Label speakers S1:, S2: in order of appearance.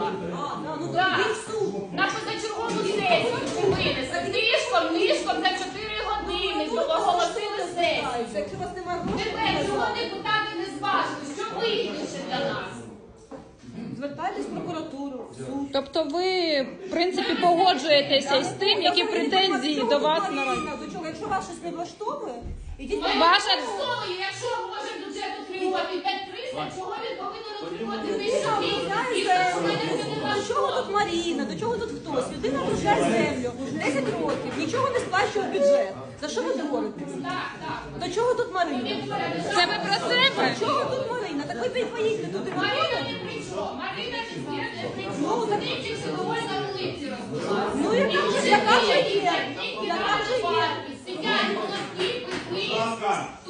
S1: винесла. На позачергову сесію ви винесли. Нишком за 4 години оголосили сесію. Тепер цього депутати не зважили. Що вигідніше для нас?
S2: Звертайтесь в прокуратуру, в суд.
S3: Тобто ви, в принципі, погоджуєтеся з тим, які претензії до вас на вас?
S2: До чого? Якщо вас щось не влаштовує, ідіть.
S1: Ваша слово, якщо може бюджет отримувати 5300, чого він повинен отримувати 1200?
S2: До чого тут Маріна, до чого тут хтось? Людина вручає землю 10 років, нічого не сплачує в бюджет. За що ви говорите? До чого тут Марина?
S3: Це ви про себе?
S2: До чого тут Марина? Так ви поїдьте туди.
S1: Марина не при чому. Марина не при чому. Дивіться, всі доволі на вулиці розбиваються.
S2: Ну, яка вже є.
S1: Сидять, молодці, пипи.